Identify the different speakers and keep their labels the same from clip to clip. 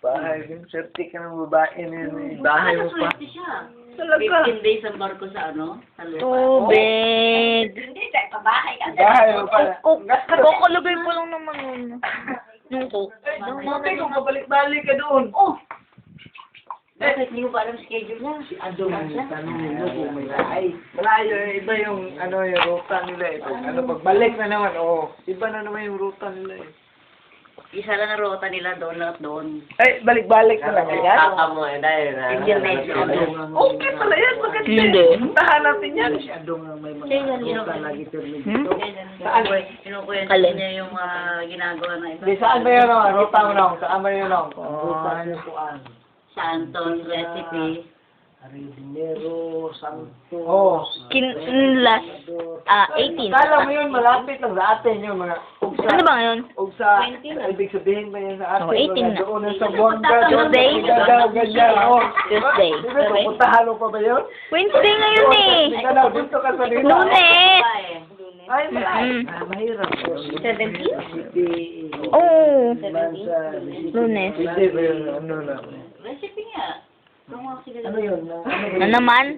Speaker 1: bahay. Swerte ka ng babae na yun. Bahay mo pa.
Speaker 2: Swerte siya.
Speaker 1: Talaga.
Speaker 2: 15 days ang barko sa ano? Sa lupa.
Speaker 3: Tubig.
Speaker 4: Hindi, dahil pabahay ka.
Speaker 1: Bahay mo pa.
Speaker 3: Kukulugay po lang naman yun. Nung coke.
Speaker 1: Bakit kung pabalik-balik ka doon?
Speaker 2: Oh! Bakit hindi mo ba alam schedule niya? Si Ado
Speaker 1: Ang tanongin mo kung may lahay. Malayo, iba yung ano yung ruta nila eh. Pagbalik na naman, iba na naman yung ruta nila eh.
Speaker 2: Isa lang ang rota nila doon at doon.
Speaker 1: Ay, balik-balik na lang yan.
Speaker 5: mo eh, dahil na.
Speaker 2: Hindi na si Ado.
Speaker 1: Okay pala yan, maganda.
Speaker 3: Hindi.
Speaker 1: Puntahan natin yan.
Speaker 5: Si Adong ang may
Speaker 2: Kaya
Speaker 5: mga
Speaker 2: ganun.
Speaker 5: lagi tuloy
Speaker 3: Hmm?
Speaker 5: dito.
Speaker 2: Kinukwento
Speaker 3: Alin?
Speaker 2: niya yung ginagawa na ito.
Speaker 1: Di, saan ba yun ang ruta mo nung? Saan ba yun nung?
Speaker 5: Ruta sa kuan.
Speaker 2: Sa Anton recipe.
Speaker 5: Aridinero, Santos.
Speaker 1: Oo.
Speaker 3: Last, 18.
Speaker 1: Kala mo yun, malapit lang sa atin yung mga
Speaker 3: Ano ba ngayon?
Speaker 1: ugsa. Ibig sabihin ba yan sa atin?
Speaker 3: 18 na.
Speaker 1: Doon na sa Buanga.
Speaker 3: Tuesday?
Speaker 1: Ganyan.
Speaker 3: Tuesday.
Speaker 1: Puntahan mo pa ba yun?
Speaker 3: Wednesday ngayon eh.
Speaker 1: Hindi ka na, dito ka sa dito.
Speaker 3: Lunes.
Speaker 1: Ay, malay.
Speaker 5: Mahirap po.
Speaker 4: 17?
Speaker 3: Oh.
Speaker 5: Lunes.
Speaker 3: Lunes.
Speaker 1: Hindi ba yun? Ano na?
Speaker 2: Recipe nga. Gumawa sila.
Speaker 5: Ano yun?
Speaker 3: Na naman?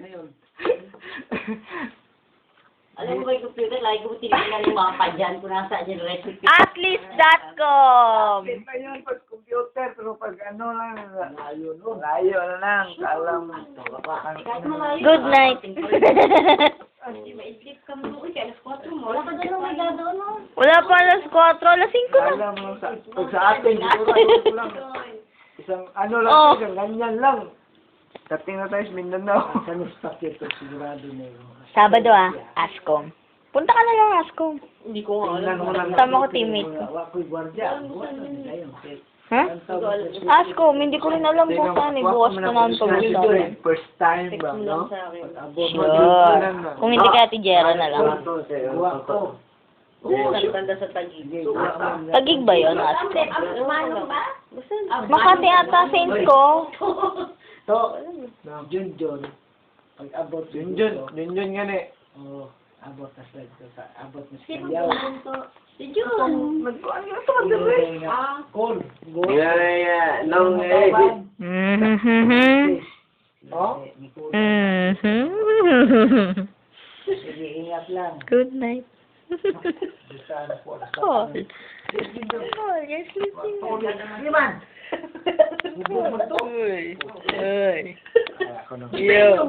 Speaker 2: Alam mo ba yung computer? Lagi ko tinitingnan yung mga padyan kung nasa dyan recipe.
Speaker 3: Atlas.com.
Speaker 1: Iba yun pag computer, pero pag ano lang, layo na lang. Kala mo.
Speaker 2: Kahit malayo.
Speaker 3: Good night.
Speaker 4: Hindi maidlip ka mo. Uy, alas 4 mo.
Speaker 2: Wala pa dyan ang may gano'n, no?
Speaker 3: Wala pa alas 4, alas 5 na.
Speaker 1: Kala mo lang pag sa atin, siguro ano lang. Isang ano lang,
Speaker 3: Oh.
Speaker 1: isang ganyan lang. Dating na tayo sa Mindanao.
Speaker 5: Sa Paquito, sigurado na yun.
Speaker 3: Sabado Ascom. Punta ka na lang Ascom.
Speaker 2: Hindi ko nga
Speaker 1: Tingnan mo lang.
Speaker 3: Tama ko teammate ko.
Speaker 5: Ako'y gwardiya.
Speaker 3: Ha? Ascom, hindi ko rin alam kung saan eh. Bukas ko na ang pag-usapan.
Speaker 1: First time ba, no?
Speaker 3: Sure. Kung hindi ka Ate Jera na lang.
Speaker 5: Gawa ko.
Speaker 2: Tanda sa tagig.
Speaker 3: Tagig ba yun, Ascom?
Speaker 4: Umano ba?
Speaker 3: Makati ata Saints ko.
Speaker 5: To, Junjun. Pag abot
Speaker 1: Junjun nga eh.
Speaker 5: Oo, abot na sa abot na sa
Speaker 4: Sino
Speaker 5: Kalyaw.
Speaker 4: po to? Si Jun.
Speaker 1: Nagkuhan nga ito, magdabay.
Speaker 5: Kol.
Speaker 1: Nung
Speaker 3: Mhm.
Speaker 1: Oh?
Speaker 3: Mhm.
Speaker 5: Sige, ingat lang.
Speaker 3: Good night.
Speaker 5: Bisa na po.
Speaker 3: Call. Call, you're sleeping.
Speaker 5: Iman!
Speaker 3: Uy. Uy.
Speaker 5: Ako nang
Speaker 3: Yo.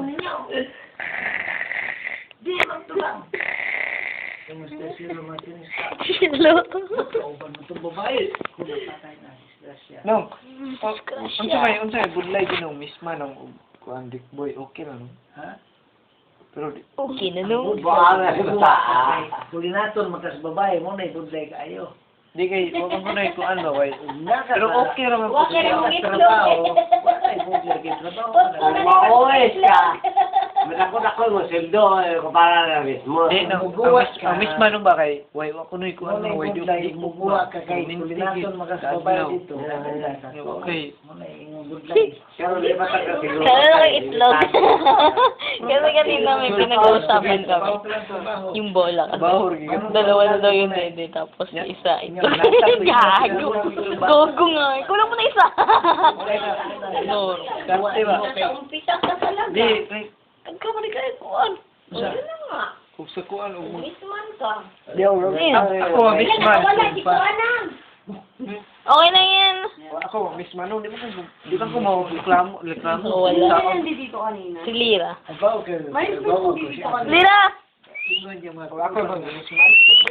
Speaker 4: Di, magtubang.
Speaker 5: Kamusta si Romatin?
Speaker 3: Hello.
Speaker 5: Kauban mo itong babae. Kung napatay na, disgrasya.
Speaker 1: Nung, unsay budlay ginong misma nung kuan Dick Boy, okay lang.
Speaker 5: Ha?
Speaker 1: Pero
Speaker 3: Okay na no.
Speaker 5: Kulinator magkas babae mo na ibudlay kayo.
Speaker 1: di kay wag ko na kuan ba way. Pero okay ra man po.
Speaker 4: Okay ra man itlog.
Speaker 5: Wala ibudlay kayo trabaho.
Speaker 4: Maoes ka.
Speaker 5: Ako mo sildo kumpara na mismo.
Speaker 1: Di no, ang misma nung ba kay way wa kunoy kuan
Speaker 5: Wala
Speaker 1: way di
Speaker 5: ibudlay mubuha ka kay kulinator magkas babae dito.
Speaker 1: Okay.
Speaker 5: Mo na ibudlay. Pero di ba ka siguro?
Speaker 3: Kaya lang itlog. Kasi kanina may pinag-uusapan kami. Yung bola kasi.
Speaker 1: Bahor gyud.
Speaker 3: Dalawa na daw yun hindi. Tapos isa ito. Gago. Gogo nga. Kulang mo na isa. No.
Speaker 1: Kasi ba?
Speaker 4: Umpisa ka talaga.
Speaker 1: Di kay
Speaker 3: Nagkamali ka eh. Kuan.
Speaker 4: Yun na nga.
Speaker 1: kung sa kuan o
Speaker 4: Misman ka.
Speaker 1: di ako
Speaker 4: Wala,
Speaker 1: misma.
Speaker 4: di ko alam.
Speaker 3: Okay na yan.
Speaker 1: Ako misma no, di ba ko mo reklamo
Speaker 3: Oo, wala.
Speaker 4: Hindi dito kanina.
Speaker 3: Si Lira.
Speaker 5: Abaw ka.
Speaker 4: May
Speaker 5: Abaw ko
Speaker 4: dito
Speaker 5: siya.
Speaker 4: kanina.
Speaker 3: Lira!
Speaker 1: Ako ba misma?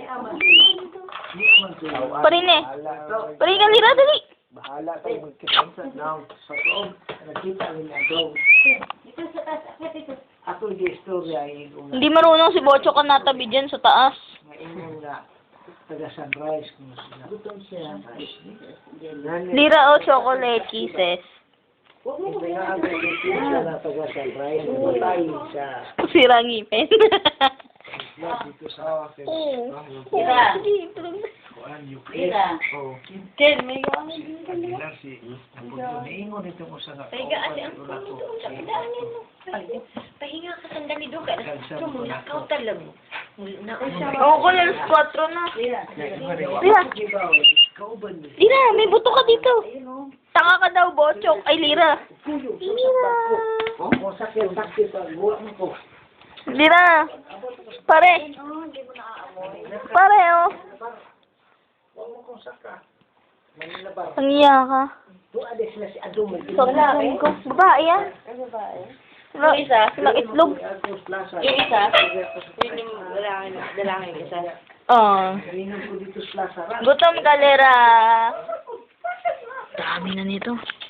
Speaker 3: Parin eh. Parin ka Lira, dali.
Speaker 1: Bahala tayo magkipansa now sa loob.
Speaker 5: Nakita rin na daw.
Speaker 4: Dito sa taas. Akit dito.
Speaker 5: Ako yung istorya yung
Speaker 3: Hindi marunong si Bocho ka natabi dyan sa taas.
Speaker 5: ngayon nga taga Sunrise kung sila.
Speaker 2: Gutom siya.
Speaker 3: Lira o chocolate kisses.
Speaker 4: Huwag mo
Speaker 5: Ito nga ang siya na taga Sunrise. Matay sa
Speaker 3: Sira ngipin.
Speaker 5: dito sa
Speaker 4: Lira.
Speaker 5: kuan yung
Speaker 2: Lira.
Speaker 5: Oh,
Speaker 3: Ken, may gamit.
Speaker 5: kanila si Naingon ito mo sa
Speaker 4: Pahinga kasi ang puno doon sa pidaanin mo. Pahinga ka sandali doon. Kaya ito mo, nakaw talaga.
Speaker 3: Oo ko, alas 4 na.
Speaker 4: Lira.
Speaker 3: Lira,
Speaker 5: kauban niya.
Speaker 3: Lira, may buto ka dito.
Speaker 4: Ayun o.
Speaker 3: Tanga ka daw, Bochok. Ay, Lira.
Speaker 1: Oh, sakit sa buwan ko.
Speaker 3: Lira. Pare. Pare, oh.
Speaker 1: Huwag mo kong saka. Manila ba?
Speaker 3: Ang iya ka.
Speaker 1: Tuwade sila si Adum.
Speaker 3: Sabi ko. Babae yan. Yung isa, silang itlog.
Speaker 4: Yung isa, yun yung lalaki isa.
Speaker 3: Oh.
Speaker 1: Kainan ko dito sa Plaza.
Speaker 3: Gutom ka, Lira. Dami na nito.